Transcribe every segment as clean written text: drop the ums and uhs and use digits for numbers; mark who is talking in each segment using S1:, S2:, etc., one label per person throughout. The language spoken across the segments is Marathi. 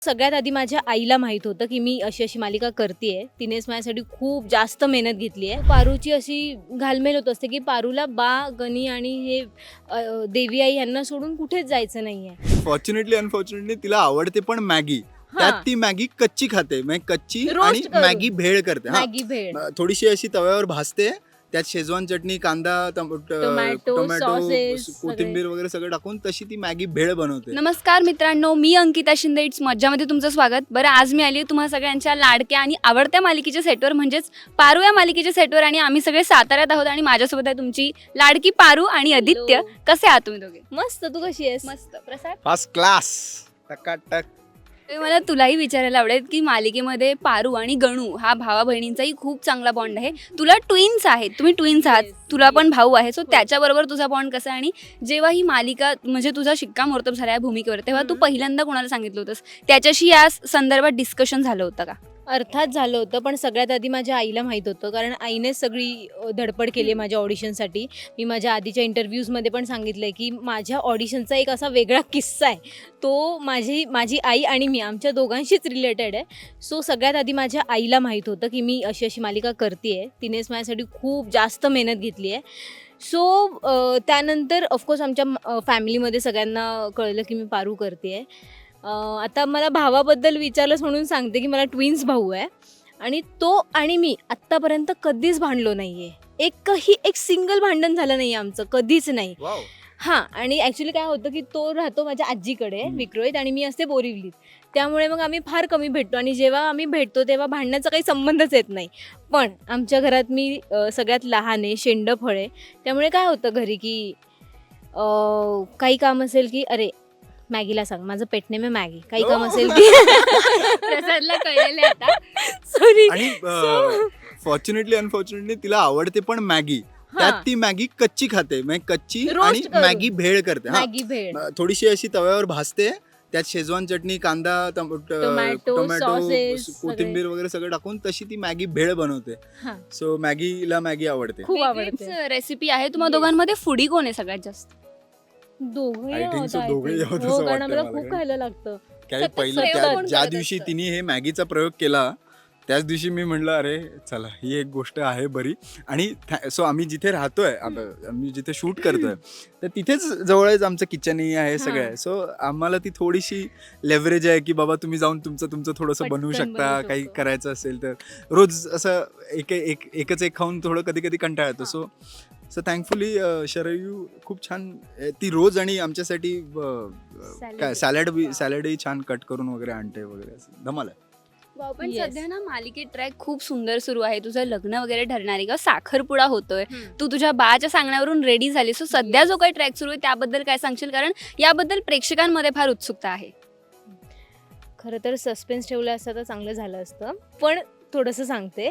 S1: सगळ्यात आधी माझ्या आईला माहीत होतं की मी अशी मालिका करतेय. तिनेच माझ्यासाठी खूप जास्त मेहनत घेतली आहे. पारूची अशी घालमेल होत असते की पारूला बा, गणी आणि हे देवी आई यांना सोडून कुठेच जायचं नाहीये.
S2: फॉर्च्युनेटली अनफॉर्च्युनेटली तिला आवडते पण मॅगी. त्यात ती मॅगी कच्ची खाते, म्हणजे कच्ची आणि मॅगी भेळ करते.
S1: मॅगी भेळ
S2: थोडीशी अशी तव्यावर भाजते, त्यात शेजवान चटणी, कांदा, टोमॅटो, कोथिंबीर वगैरे सगळं टाकून तशी ती मॅगी भेळ बनवते.
S3: नमस्कार मित्रांनो, मी अंकिता शिंदे. इट्स मज्जामध्ये तुमचं स्वागत. बरं, आज मी आली तुम्हा सगळ्यांच्या लाडक्या आणि आवडत्या मालिकेच्या सेटवर, म्हणजेच पारू या मालिकेच्या सेटवर. आणि आम्ही सगळे साताऱ्यात आहोत आणि माझ्यासोबत आहे तुमची लाडकी पारू आणि आदित्य. कसे आहात तुम्ही दोघे?
S1: मस्त. तू कशी आहेस?
S3: मस्त. प्रसाद?
S2: First class. टकाटक.
S3: मला तुलाही विचारायला आवडेल की मालिकेमध्ये पारू आणि गणू हा भावा बहिणींचाही खूप चांगला बॉन्ड आहे. तुला ट्विन्स आहेत, तुम्ही ट्विन्स आहात, तुला पण भाऊ आहे. सो त्याच्याबरोबर तुझा बॉन्ड कसा आहे? आणि जेव्हा ही मालिका म्हणजे तुझा शिक्कामोर्तब झाला या भूमिकेवर, तेव्हा तू पहिल्यांदा कोणाला सांगितलं होतंस? त्याच्याशी या संदर्भात डिस्कशन झालं होतं का?
S1: अर्थात झालं होतं, पण सगळ्यात आधी माझ्या आईला माहीत होतं, कारण आईनेच सगळी धडपड केली माझ्या ऑडिशनसाठी. मी माझ्या आधीच्या इंटरव्ह्यूजमध्ये पण सांगितलं आहे की माझ्या ऑडिशनचा एक असा वेगळा किस्सा आहे, तो माझी आई आणि मी आमच्या दोघांशीच रिलेटेड आहे. सो सगळ्यात आधी माझ्या आईला माहीत होतं की मी अशी मालिका करते आहे. तिनेच माझ्यासाठी खूप जास्त मेहनत घेतली आहे. सो त्यानंतर ऑफकोर्स आमच्या फॅमिलीमध्ये सगळ्यांना कळलं की मी पारू करते आहे. आता मला भावाबद्दल विचारलंच म्हणून सांगते की मला ट्विन्स भाऊ आहे आणि तो आणि मी आत्तापर्यंत कधीच भांडलो नाही आहे. एक सिंगल भांडण झालं नाही आहे आमचं, कधीच नाही. हां, आणि ॲक्च्युली काय होतं की तो राहतो माझ्या आजीकडे विक्रोळीत आणि मी असते बोरिवलीत. त्यामुळे मग आम्ही फार कमी भेटतो आणि जेव्हा आम्ही भेटतो तेव्हा भांडण्याचा काही संबंधच येत नाही. पण आमच्या घरात मी सगळ्यात लहान आहे, शेंडफळ आहे. त्यामुळे काय होतं घरी की काही काम असेल की अरे मॅगीला सांग, माझं पेट नेम आहे मॅगी. काही काम असेल की
S3: प्रसादला कळलेलं आता.
S1: सॉरी.
S2: आणि फॉर्च्युनेटली अनफॉर्च्युनेटली तिला आवडते पण मॅगी. त्यात ती मॅगी कच्ची खाते, म्हणजे कच्ची आणि मॅगी भेळ करते.
S1: मॅगी भेळ
S2: थोडीशी अशी तव्यावर भाजते, त्यात शेजवान चटणी, कांदा, टोमॅटो, कोथिंबीर वगैरे सगळं टाकून तशी ती मॅगी भेळ बनवते. सो मॅगीला मॅगी आवडते,
S1: खूप आवडते.
S3: रेसिपी आहे. तुम्हा दोघांमध्ये फुडी कोण आहे सगळ्यात जास्त?
S2: I think so, दोघेही आहोत असं
S1: कारण
S2: वाटतंय
S1: आम्हाला
S2: मला.
S1: खूप खायला लागतं.
S2: काही
S3: सतत
S2: पहिलं
S3: प्रयोग कोण
S2: ज्या
S3: करत
S2: दिवशी
S3: असतं?
S2: तिने हे मॅगीचा प्रयोग केला त्याच दिवशी मी म्हणलं अरे चला ही एक गोष्ट आहे बरी. आणि सो आम्ही जिथे राहतोय, आम्ही जिथे शूट करतोय तर तिथेच जवळच आमचं किचनही आहे, सगळं आहे. सो आम्हाला ती थोडीशी लेव्हरेज आहे की बाबा तुम्ही जाऊन तुमचं थोडंसं बनवू
S1: पटकन
S2: शकता.
S1: बनवू
S2: काही
S1: शकतो.
S2: करायचं असेल तर रोज असं एकच एक खाऊन थोडं कधी कधी कंटाळा येतो. सो थँकफुली शरयू खूप छान ती रोज आणि आमच्यासाठी काय सॅलडही छान कट करून वगैरे आणते वगैरे, असं धमाल आहे.
S3: वाव, पण
S1: Yes.
S3: सध्या ना मालिकेत ट्रॅक खूप सुंदर सुरू आहे. तुझं लग्न वगैरे ठरणार आहे का? साखरपुडा होतोय, तू तुझ्या बाळाच्या सांगण्यावरून रेडी झाली. सो सध्या जो काही ट्रॅक सुरू आहे त्याबद्दल काय सांगशील? कारण याबद्दल प्रेक्षकांमध्ये फार उत्सुकता आहे.
S1: खरं तर सस्पेन्स ठेवलं असतं तर चांगलं झालं असतं, पण थोडंसं सांगते.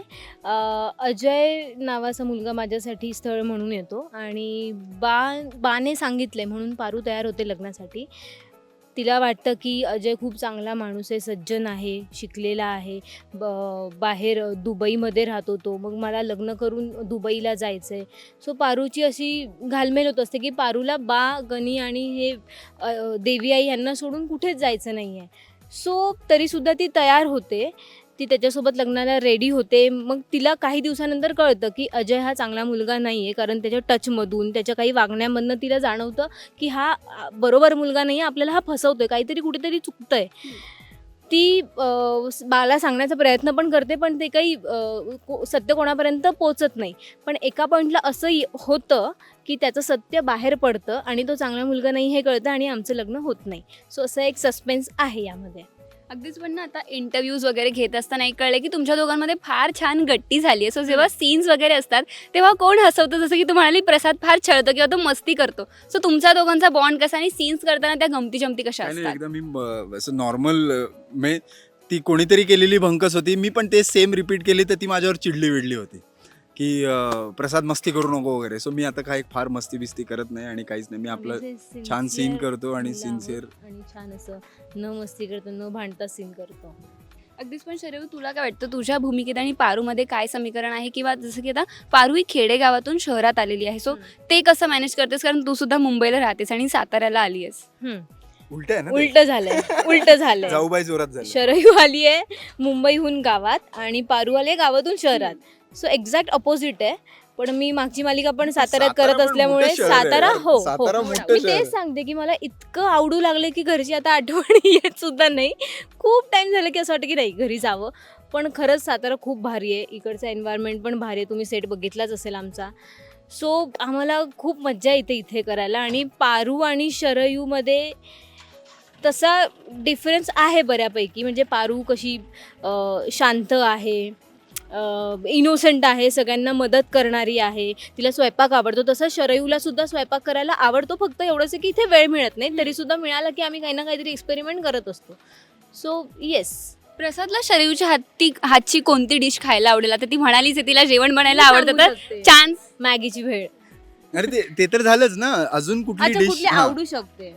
S1: अजय नावाचा मुलगा माझ्यासाठी स्थळ म्हणून येतो आणि बाने सांगितलंय म्हणून पारू तयार होते लग्नासाठी. तिला वाटतं की अजय खूप चांगला माणूस आहे, सज्जन आहे, शिकलेला आहे, बाहेर दुबईमध्ये राहतो तो, मग मला लग्न करून दुबईला जायचं आहे. सो पारूची अशी घालमेल होत असते की पारूला बा, गणी आणि हे देवी आई यांना सोडून कुठेच जायचं नाही आहे. सो तरीसुद्धा ती तयार होते, ती त्याच्यासोबत लग्नाला रेडी होते. मग तिला काही दिवसानंतर कळतं की अजय हा चांगला मुलगा नाही आहे, कारण त्याच्या टचमधून, त्याच्या काही वागण्यामधनं तिला जाणवतं की हा बरोबर मुलगा नाही आहे, आपल्याला हा फसवतोय, काहीतरी कुठेतरी चुकतंय. ती बाला सांगण्याचा प्रयत्न पण करते, पण ते काही सत्य कोणापर्यंत पोचत नाही. पण एका पॉईंटला असं होतं की त्याचं सत्य बाहेर पडतं आणि तो चांगला मुलगा नाही हे कळतं आणि आमचं लग्न होत नाही. सो असं एक सस्पेन्स आहे यामध्ये.
S3: अगदीच. पण ना आता इंटरव्ह्यूज वगैरे घेत असताना एक कळलं की तुमच्या दोघांमध्ये फार छान गट्टी झाली आहे. सो जेव्हा सीन्स वगैरे असतात तेव्हा कोण हसवतं? जसं की तू म्हणाली प्रसाद फार छळतो किंवा तो मस्ती करतो. सो तुमच्या दोघांचा बॉन्ड कसा आणि सीन्स करताना त्या गमती जमती कशा
S2: काही नाही,
S3: असतात?
S2: एकदम मी असं नॉर्मल, ती कोणीतरी केलेली भंकस होती, मी पण ते सेम रिपीट केली तर ती माझ्यावर चिडली होती की प्रसाद मस्ती करू नको वगैरे. सो मी आता काय फार मस्ती बिस्ती करत नाही आणि काहीच नाही. मी आपलं छान सीन करतो आणि सिन्सिअर
S1: आणि छान असं न मस्ती करतो, न भांडता सीन करतो.
S3: अगदीच. पण शरयू, तुला काय वाटतं तुझ्या भूमिकेत आणि पारूमध्ये काय समीकरण आहे? किंवा जसं की आता पारू ही खेडेगावातून शहरात आलेली आहे, सो ते कसं मॅनेज करतेस? कारण तू सुद्धा मुंबईला राहतेस आणि साताऱ्याला आली आहेस.
S2: उलट आहे ना ते?
S1: उलट झालंय
S2: जाऊबाई जोरात झालं.
S1: शरयू आली आहे मुंबईहून गावात आणि पारू आली आहे गावातून शहरात. सो एक्झॅक्ट अपोजिट आहे. पण मी मागची मालिका पण साताऱ्यात
S2: सातारा
S1: करत
S2: पण
S1: असल्यामुळे
S2: मोठं शहर आहे
S1: सातारा
S2: यार.
S1: हो
S2: सातारा
S1: हो.
S2: मोठं
S1: मी
S2: शहर आहे.
S1: तेच सांगते की मला इतकं आवडू लागलं की घरची आता आठवणी येत सुद्धा नाही. खूप टाइम झालं की असं वाटतं की नाही घरी जावं. पण खरंच सातारा खूप भारी आहे. इकडचं एन्व्हायरमेंट पण भारी आहे. तुम्ही सेट बघितलाच असेल आमचा. सो आम्हाला खूप मज्जा येते इथे करायला. आणि पारू आणि शरयूमध्ये तसा डिफरन्स आहे बऱ्यापैकी. म्हणजे पारू कशी शांत आहे, इनोसंट आहे, सगळ्यांना मदत करणारी आहे, तिला स्वयंपाक आवडतो. तसं शरयूला सुद्धा स्वयंपाक करायला आवडतो. फक्त एवढंच आहे की इथे वेळ मिळत नाही. तरीसुद्धा मिळाला की आम्ही काही ना काहीतरी एक्सपेरिमेंट करत असतो. So yes.
S3: प्रसादला शरयूच्या हातची कोणती डिश खायला आवडेल? आता ती म्हणालीच आहे तिला जेवण बनायला आवडतं, तर चान्स.
S1: मॅगीची भेळ.
S2: अरे ते तर झालंच ना. अजून कुठली
S1: अच्छा,
S2: डिश?
S1: कुठली आवडू शकते?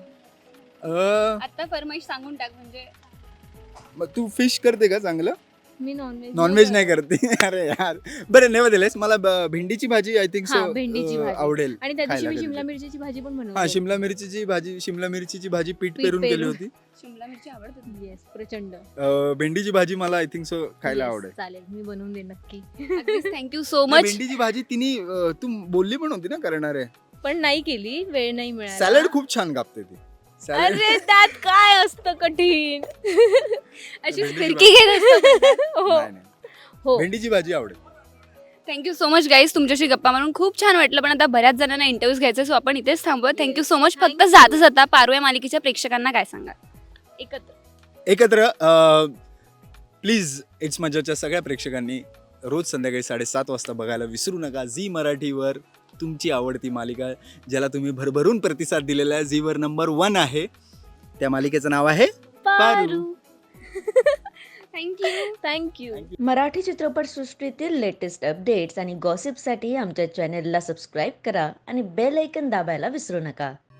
S3: आता फरमाईश सांगून टाक. म्हणजे
S2: तू फिश करते का चांगलं?
S1: मी नॉनव्हेज
S2: नॉनव्हेज नाही करते. अरे यार बरं नेव्हर दिलेस मला भेंडीची भाजी आय थिंक
S1: हां, भेंडीची भाजी.
S2: आवडेल.
S1: आणि त्या दिवशी
S2: खायला
S1: मी
S2: कधी
S1: शिमला
S2: तरी.
S1: मिरचीची भाजी पण बनवते.
S2: हा शिमला मिरचीची भाजी पीठ
S1: पीठ
S2: पेरून केली
S1: पेरून.
S2: होती.
S3: शिमला मिरची आवडते.
S1: येस, प्रचंड.
S2: भेंडीची भाजी मला आय थिंक सो खायला
S1: Yes,
S2: आवडेल.
S1: चालेल, मी बनवून देईन नक्की.
S3: थँक्यू सो
S2: नाही,
S3: मच.
S2: भेंडीची भाजी तिने तू बोलली पण होती ना करणार आहे.
S1: पण नाही केली, वेळ नाही मिळाला.
S2: सॅलड खूप छान कापते ती. सॅलड
S1: अरे त्यात काय असतं कठीण?
S3: अशी
S2: भेंडीची
S3: फिरकी घेत असतो.
S1: हो
S2: नाही, नाही.
S1: हो.
S2: भेंडीची भाजी आवडेल.
S3: थँक्यू सो मच गाईज, तुमच्याशी गप्पा मारून खूप छान वाटलं. पण आता बऱ्याच जणांना इंटरव्ह्यूज घ्यायचे, सो आपण इथेच थांबूया. Thank you so much. फक्त जाता जाता पारू या मालिकेच्या प्रेक्षकांना काय सांगा?
S2: एकत्र प्लीज इट्स मजाच्या सगळ्या प्रेक्षकांनी रोज संध्याकाळी 7:30 वाजता बघायला विसरू नका. झी मराठीवर तुमची आवडती मालिका, ज्याला तुम्ही भरभरून प्रतिसाद दिलेला आहे, झीवर नंबर 1 आहे. त्या मालिकेचं नाव आहे पारू.
S3: थँक्यू.
S4: मराठी चित्रपटसृष्टीतील लेटेस्ट अपडेट्स आणि गॉसिपसाठी आमच्या चॅनेलला सबस्क्राईब करा आणि बेल ऐकन दाबायला विसरू नका.